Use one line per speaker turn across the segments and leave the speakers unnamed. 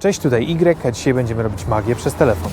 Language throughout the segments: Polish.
Cześć, tutaj Y, a dzisiaj będziemy robić magię przez telefon.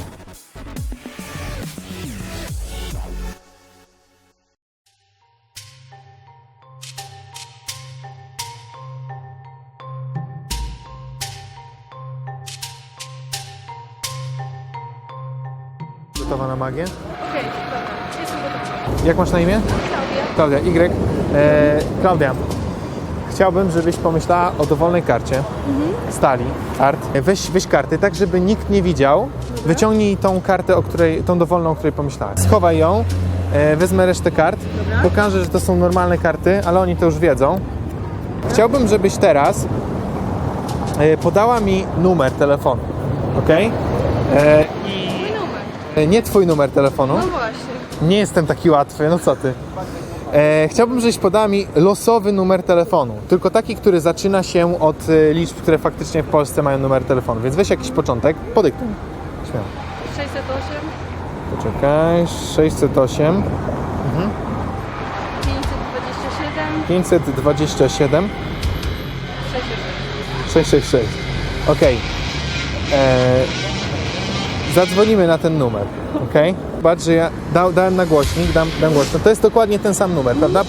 Gotowa na magię?
Okej, dobra, jestem gotowa.
Jak masz na imię?
Klaudia.
Klaudia, Y. Klaudia, chciałbym, żebyś pomyślała o dowolnej karcie, stali, kart. Weź karty, tak żeby nikt nie widział. Wyciągnij tą kartę, tą dowolną, o której pomyślałaś. Schowaj ją, wezmę resztę kart, pokażę, że to są normalne karty, ale oni to już wiedzą. Chciałbym, żebyś teraz podała mi numer telefonu, ok?
Mój numer.
Nie twój numer telefonu.
No właśnie.
Nie jestem taki łatwy, no co ty. Chciałbym, żebyś podała mi losowy numer telefonu. Tylko taki, który zaczyna się od liczb, które faktycznie w Polsce mają numer telefonu. Więc weź jakiś początek, podyktuj. Śmiało.
608,
Poczekaj, 608,
527,
527,
666.
666. Okej. Zadzwonimy na ten numer, okej? Zobacz, że ja dałem na głośnik, dam głośno. To jest dokładnie ten sam numer, prawda?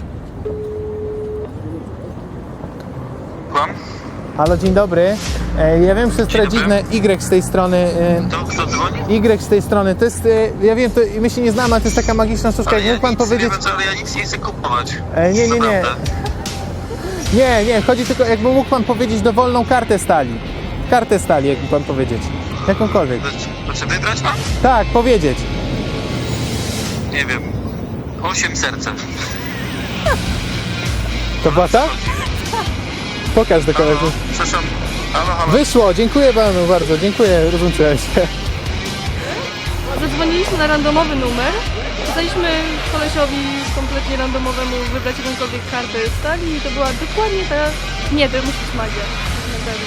Kłam?
Halo, dzień dobry. Ja wiem, że to jest trochę dziwne. Y z tej strony.
To kto dzwoni?
Y z tej strony. To jest. Ja wiem, my się nie znamy, ale to jest taka magiczna sztuczka.
Ale
Jak
ja
mógł pan
nic
powiedzieć.
nie wiem, ale ja nic nie chcę kupować.
Nie.
Naprawdę.
Nie. Chodzi tylko, jakby mógł pan powiedzieć dowolną kartę stali. Kartę stali, jakby pan powiedzieć. Jakąkolwiek.
To czy wybrać mam?
Tak, powiedzieć.
Nie wiem. 8 serca.
To była ta? Pokaż do koleżanki.
Przepraszam. Halo.
Wyszło, dziękuję panu bardzo, dziękuję, rozłączyłem się.
Zadzwoniliśmy na randomowy numer. Kazaliśmy kolesiowi kompletnie randomowemu wybrać jakąkolwiek kartę stali i to była dokładnie ta... Nie, to musi być magia. Na pewno.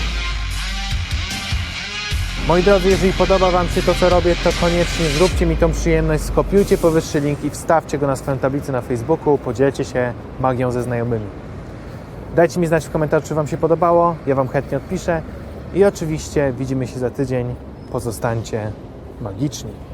Moi drodzy, jeżeli podoba wam się to, co robię, to koniecznie zróbcie mi tą przyjemność, skopiujcie powyższy link i wstawcie go na swoją tablicę na Facebooku, podzielcie się magią ze znajomymi. Dajcie mi znać w komentarzu, czy wam się podobało, ja wam chętnie odpiszę i oczywiście widzimy się za tydzień. Pozostańcie magiczni.